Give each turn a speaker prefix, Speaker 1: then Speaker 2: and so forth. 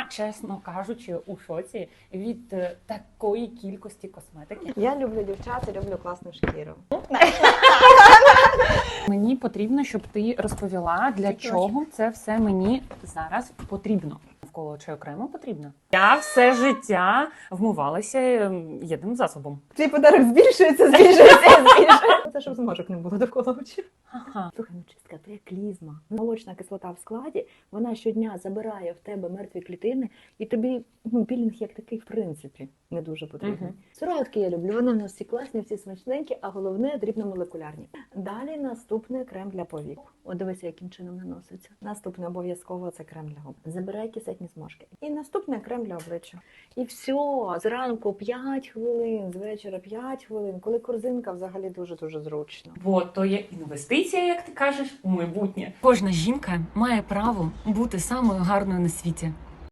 Speaker 1: Я, чесно кажучи, у шоці від такої кількості косметики.
Speaker 2: Я люблю дівчат і люблю класну шкіру.
Speaker 1: Мені потрібно, щоб ти розповіла, для чого це все мені зараз потрібно. Навколо чаю крему потрібно. Я все життя вмивалася єдиним засобом.
Speaker 2: Твій подарок збільшується, збільшується. Це щоб зморок не було довкола очей.
Speaker 1: Ага.
Speaker 2: Слухай, ну чистка, це як клізма. Молочна кислота в складі, вона щодня забирає в тебе мертві клітини, і тобі пілінг як такий, в принципі, не дуже потрібний. Сироватки я люблю, вони в нас всі класні, всі смачненькі, а головне – дрібномолекулярні. Далі наступний крем для повік. От дивися, яким чином наноситься. Наступне обов'язково це крем для губ. Забирай кисетні зморшки. І наступний крем для обличчя. І все, зранку 5 хвилин, з вечора 5 хвилин, коли корзинка взагалі дуже-дуже зручно.
Speaker 1: Бо то є інвестиція, як ти кажеш, у майбутнє. Кожна жінка має право бути самою гарною на світі.